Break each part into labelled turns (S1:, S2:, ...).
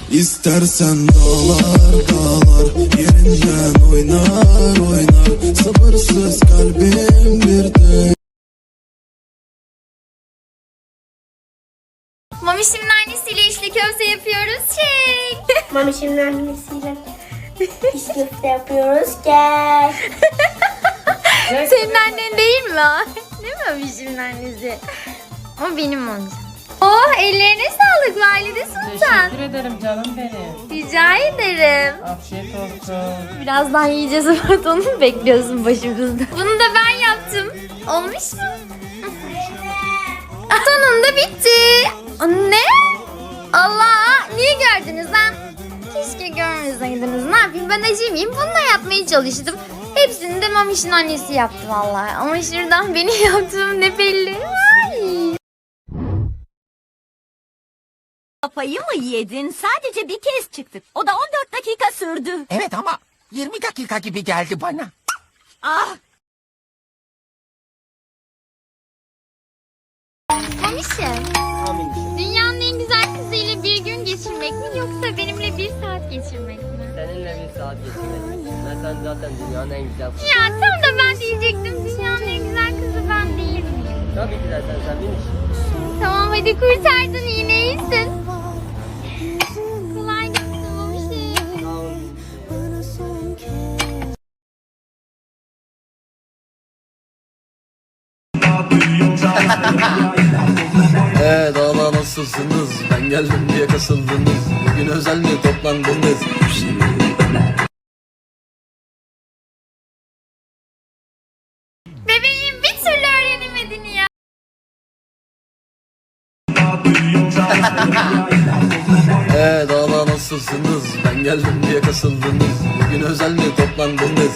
S1: İstersen dağlar dağlar yerinden oynar oynar. Sabırsız kalbim bir de.
S2: Mamişimin annesiyle içli köfte yapıyoruz. Çek.
S3: Mamişimin annesiyle içli köfte yapıyoruz. Gel.
S2: Senin annen değil mi o? Değil mi Mamişimin annesi? O benim olacak. Oh, ellerine sağlık Valide Sultan.
S4: Teşekkür ederim canım benim.
S2: Rica ederim.
S4: Afiyet olsun.
S2: Birazdan yiyeceğiz ama onu mu bekliyorsun başımızda? Bunu da ben yaptım. Olmuş mu? Sonunda bitti. Ne? Allah! Niye gördünüz lan? Keşke görmeseydiniz. Ne yapayım, ben acemiyim. Bununla yapmaya çalıştım. Hepsini de Mamiş'in annesi yaptı vallahi. Ama şuradan benim yaptığım ne belli. Ay.
S5: Kafayı mı yedin? Sadece bir kez çıktık. O da 14 dakika sürdü.
S6: Evet ama 20 dakika gibi geldi bana.
S5: Ah!
S2: Mamiş'im. Dünyanın en güzel kızıyla bir gün geçirmek mi yoksa benimle bir saat geçirmek mi?
S7: Seninle bir saat geçirmek. Ben sen zaten dünyanın en güzel kızı.
S2: Ya tam da ben diyecektim. Dünyanın en güzel kızı ben değil miyim?
S7: Tabii ki de sen bilmiş.
S2: Tamam hadi kurtardın, yine iyisin. Kolay gelsin Mamiş'im.
S7: Sağ ol.
S8: Dağlar nasılsınız? Ben geldim diye kasıldınız. Bugün özel mi toplandınız?
S2: Bebeğim bir türlü öğrenemedin ya.
S8: Dağlar nasılsınız? Ben geldim diye kasıldınız. Bugün özel mi toplandınız?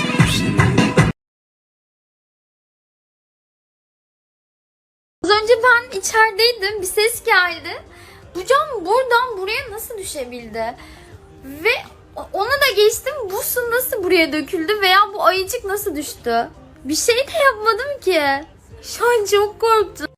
S2: Az önce ben içerideydim, bir ses geldi. Bu cam buradan buraya nasıl düşebildi? Ve ona da geçtim, bu su nasıl buraya döküldü veya bu ayıcık nasıl düştü? Bir şey de yapmadım ki. Şu an çok korktum.